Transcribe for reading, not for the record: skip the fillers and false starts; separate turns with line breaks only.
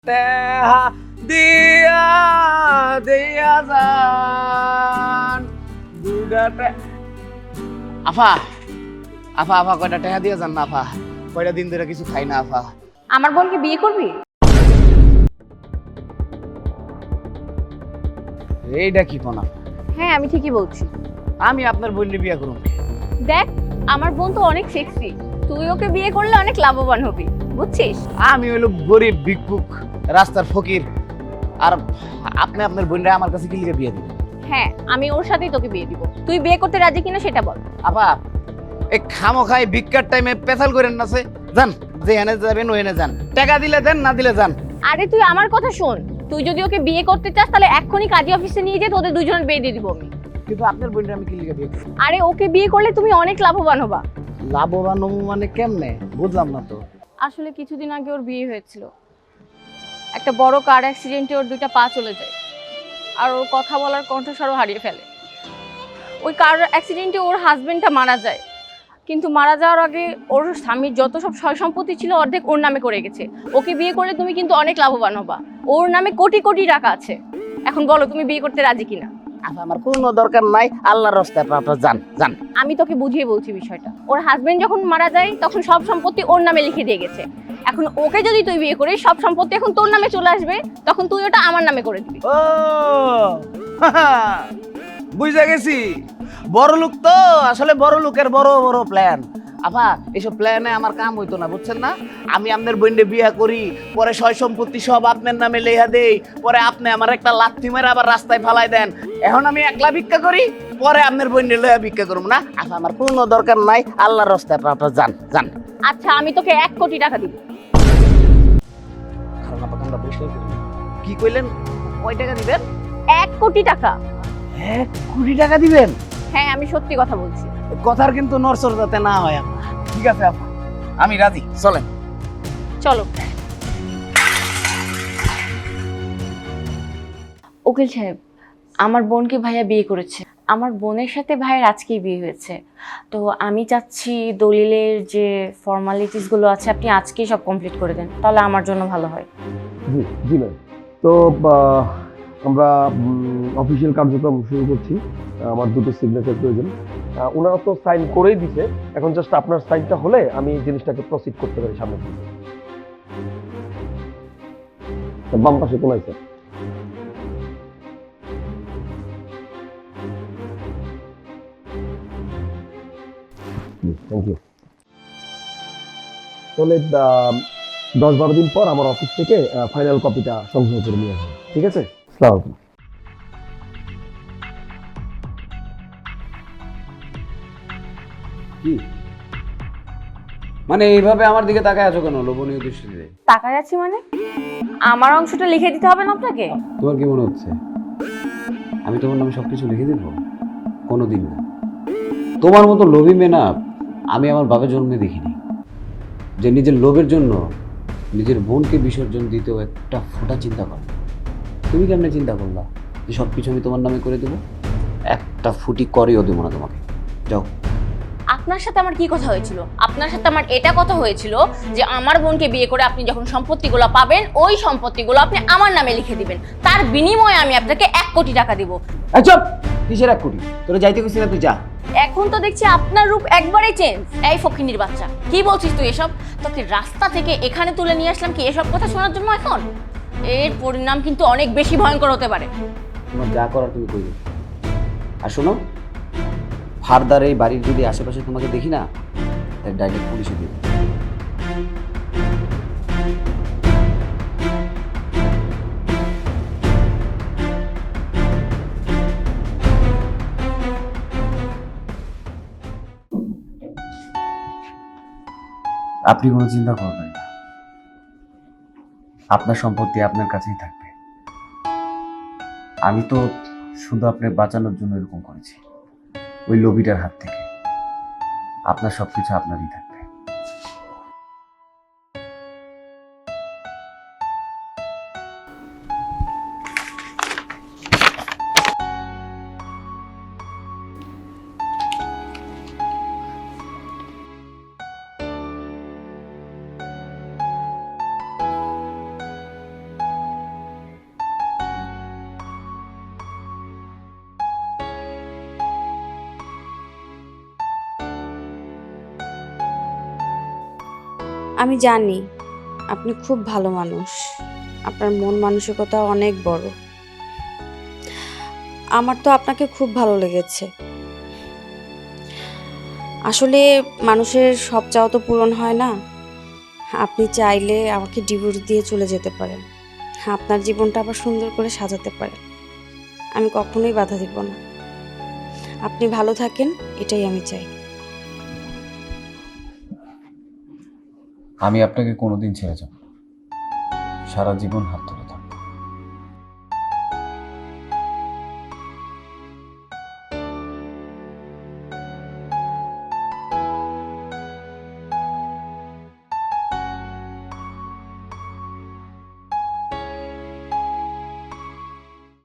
তেহা দিয়া দিয়া যান দুইটা আফা আফা আফা কয়টা টেহা দিয়া যান না আফা, কয়টা দিন ধরে কিছু খাই না আফা।
আমার বোনকে বিয়ে করবি?
এইটা কি কোন আফা?
হ্যাঁ, আমি ঠিকই বলছি।
আমি আপনার বোনকে বিয়ে করুম।
দেখ, আমার বোন তো অনেক সেক্সি, তুই ওকে বিয়ে করলে অনেক লাভবান হবি, বুঝছিস?
আমি হইলো গরিব ভিক্ষুক, রাস্তার ফকির, আর আপনি আপনার বোনরা আমার কাছে কি লিগে বিয়ে দিবেন?
হ্যাঁ, আমি ওর সাথেই তোকে বিয়ে দিব। তুই বিয়ে করতে রাজি কিনা সেটা বল।
আপা এই খামো খাই ভিক্ষার টাইমে পেছাল করেন না, যান যেখানে যাবেন ওখানে যান, টাকা দিলে দেন, না দিলে যান।
আরে তুই আমার কথা শোন, তুই যদি ওকে বিয়ে করতে চাস তাহলে এক্ষুনি কাজী অফিসে নিয়ে যেয়ে তোদের দুজনের বিয়ে দিয়ে দিব আমি।
কিন্তু আপনার বোনরা আমি কি লিগে বিয়ে করব?
আরে ওকে বিয়ে করলে তুমি অনেক লাভবান হবা।
লাভবান হবো মানে কেমনে, বুঝলাম না তো।
আসলে কিছুদিন আগে ওর বিয়ে হয়েছিল, একটা বড় কার অ্যাক্সিডেন্টে ওর দুইটা পা চলে যায়, আর ওর কথা বলার কণ্ঠস্বরও হারিয়ে ফেলে। ওই কার অ্যাক্সিডেন্টে ওর হাজবেন্ডটা মারা যায়, কিন্তু মারা যাওয়ার আগে ওর স্বামীর যত সব সয় সম্পত্তি ছিল অর্ধেক ওর নামে করে গেছে। ওকে বিয়ে করলে তুমি কিন্তু অনেক লাভবান হবা, ওর নামে কোটি কোটি টাকা আছে। এখন বলো তুমি বিয়ে করতে রাজি কিনা?
আচ্ছা, আমার কোনো দরকার নাই, আল্লাহর রাস্তায় আপনারা যান যান।
আমি তোকে বুঝিয়ে বলছি বিষয়টা। ওর হাজবেন্ড যখন মারা যায় তখন সব সম্পত্তি ওর নামে লিখে দিয়ে গেছে। এখন ওকে যদি তুই বিয়ে করিস, সব সম্পত্তি এখন তোর নামে চলে আসবে, তখন তুই ওটা আমার নামে করে দিবি।
ও বুঝা গেছি, বড় লোক তো, আসলে বড় লোকের বড় বড় প্ল্যান। আপা এইসব প্ল্যানে আমার কাম হইতো না, বুঝছেন না? আমি আপনার বোনকে বিয়ে করি, পরে সয় সম্পত্তি সব আপনার নামে লেখা দেই, পরে আপনি আমার একটা লাথি মেরে আবার রাস্তায় ফালাই দেন। এখন আমি একলা ভিক্ষা করি, পরে আপনার বোনকে লইয়া ভিক্ষা করবো না। আপা আমার কোনো দরকার নাই, আল্লাহর রাস্তায় আপনারা যান যান।
আচ্ছা, আমি তোকে 1 কোটি টাকা দিব।
কি কইলেন? কয় টাকা দিবেন?
1 কোটি টাকা।
1 কোটি টাকা দিবেন?
হ্যাঁ, আমি সত্যি কথা বলছি।
কথার কিন্তু নরসর যাতে না হয় আপা। ঠিক আছে আপা, আমি রাজি, চলেন।
চলো। উকিল সাহেব, আমার বোনকে ভাইয়া বিয়ে করেছে। আমার বোনের সাথে ভাইয়ের আজকেই বিয়ে হয়েছে, তো আমি চাচ্ছি দলিলের যে ফর্মালিটিসগুলো আছে আপনি আজকেই সব কমপ্লিট করে দেন, তাহলে আমার জন্য ভালো হয়।
জি জি ম্যাম। তো আমরা অফিসিয়াল কার্যক্রম শুরু করছি। আমার দুটো সিগনেচার প্রয়োজন। ওনারা তো সাইন করেই দিছে, এখন জাস্ট আপনার সাইনটা হলে আমি জিনিসটাকে প্রসিড করতে পারি সামনে দিকে। বাম পাশে কোনায় স্যার। Thank you. তাহলে 10-12 দিন পর আমার অফিস থেকে ফাইনাল কপিটা সংগ্রহ করে নিয়ে আসবেন, ঠিক আছে? আসসালামু আলাইকুম।
কি মানে এইভাবে আমার দিকে তাকায় আছো কেন লোভনীয় দৃষ্টিতে?
টাকা যাচ্ছি মানে আমার অংশটা লিখে দিতে হবে না আপনাকে?
তোমার কি মনে হচ্ছে আমি তোমার নামে সবকিছু লিখে দেবো? কোনোদিন না। তোমার মতো লোভী মেয়ে না আমি আমার বাবার জন্মে দেখিনি, যে নিজের লোভের জন্য নিজের বোনকে বিসর্জন দিতেও একটা ফোঁটা চিন্তা করে। তুমি কেমনে চিন্তা করলা যে সব কিছু আমি তোমার নামে করে দেবো? একটা ফুটি করেও দেবো না তোমাকে। যাও।
আপনার সাথে আমার কি কথা হয়েছিল? আপনার সাথে আমার এটা কথা হয়েছিল যে আমার বোনকে বিয়ে করে আপনি যখন সম্পত্তিগুলো পাবেন ওই সম্পত্তিগুলো আপনি আমার নামে লিখে দিবেন, তার বিনিময়ে আমি আপনাকে 1 কোটি টাকা দিব।
চুপ! কিসের 1 কোটি? তোরা যাইতে কইছি না, তুই যা।
এখন তো দেখছি আপনার রূপ একবারেই চেঞ্জ। এই ফকিন্নির বাচ্চা, কি বলছিস তুই এসব? তোকে রাস্তা থেকে এখানে তুলে নিয়ে আসলাম কি এসব কথা শোনার জন্য? এখন এর পরিণাম কিন্তু অনেক বেশি ভয়ঙ্কর হতে পারে।
তোমার যা করার তুমি করবে। আর শোনো, ফারদার এই বাড়ির যদি আশেপাশে তোমাকে দেখি না, তাই ডাইরেক্ট পুলিশে দিবে। আপনি কোনো চিন্তা করবেন না, আপনার সম্পত্তি আপনার কাছেই থাকবে। আমি তো শুধু আপনাকে বাঁচানোর জন্য এরকম করেছি, ওই লোভিটার হাত থেকে। আপনার সবকিছু আপনারই থাকবে।
আমি জানি আপনি খুব ভালো মানুষ, আপনার মন মানসিকতা অনেক বড়। আমার তো আপনাকে খুব ভালো লেগেছে। আসলে মানুষের সব চাওয়া তো পূরণ হয় না। আপনি চাইলে আমাকে ডিভোর্স দিয়ে চলে যেতে পারেন, আপনার জীবনটা আবার সুন্দর করে সাজাতে পারেন। আমি কখনোই বাধা দিব না। আপনি ভালো থাকেন, এটাই আমি চাই।
আমি আপনাকে কোনোদিন ছেড়ে যাব না। সারা জীবন হাত